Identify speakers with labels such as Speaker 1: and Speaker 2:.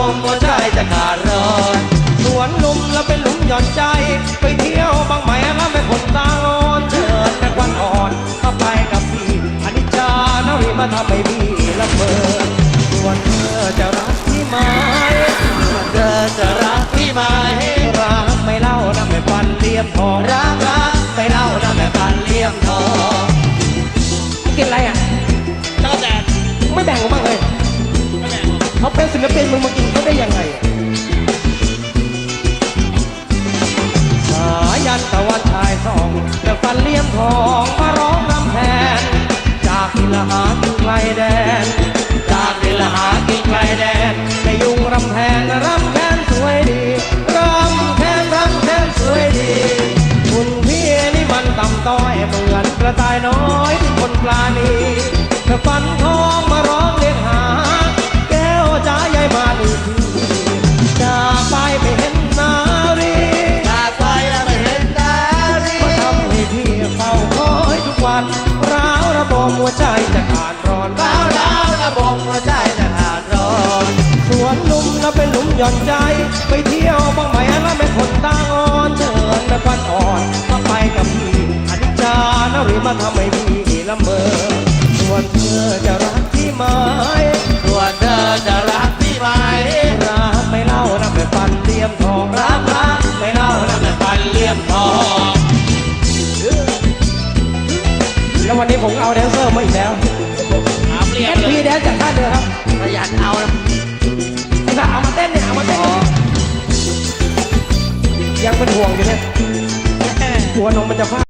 Speaker 1: มหัวใจจะขาดร้อนสวนลุมแล้วเป็นหลุมหย่อนใจไปเที่ยวบางไหมแล้วไม่คนตาอ่อนเชิญแม่ควันอ่อนมาไปกับพี่อนิจจานารีมาทำให้พี่ละเมอส่วนเธอจะรักพี่ไหมส่วนเธอจะรักพี่ไหมรักไม่เล่านะไม่ฟันเลี่ยมทองรักไม่เล่านะไม่ฟันเลี่ยมทองกินอะไรอ่ะเจ้าแดดไม่แบ่งกันบ้างเลยไม่แบ่งเขาเป็นศิลปินมึงมากินเขาได้ยังไงสายันตะวันชายสองแต่ฟันเลี่ยมทองมาร้องรำแทนจากดินละหากินไกลแดนจากดินละหากินไกลแดนในยุงรำแทนรำแค้นสวยดีรำแค้นสวยดีคุณพี่นี่มันต่ำต้อยเหมือนกระต่ายน้อยที่คนปลาณีแต่ฟันทองมาร้องเรียกหาแก้วจ๋าใหญ่มาดูทีจากไปไม่เห็นนารีจากไปแล้วไม่เห็นนารีมาทำให้พี่เฝ้าคอยทุกวันร้าวระบมหัวใจจะขาดร้อนร้าวระบมหัวใจจะขาดร้อนสวนลุมแล้วเป็นหลุมหย่อนใจไปเที่ยวบ้างไหมแล้วไม่คนตาอ่อนเชิญแม่ควันอ่อนมาไปกับพี่อนิจจานารีมาทำให้พี่ละเมอส่วนเธอจะรักพี่ไหมส่วนเธอจะรักพี่ไหมรักไม่เล่านะไม่ฟันเลี่ยมทองรักไม่เล่านะไม่ฟันเลี่ยมทองแล้ววันนี้ผมเอาแดนเซอร์มาอีกแล้วแอดพีแดนจากท่าเรือครับขยันเอานะถ้าเอามาเต้นเนี่ยเอามาเต้นยังเป็นห่วงอยู่เนี่ยหัวนมมันจะพลาด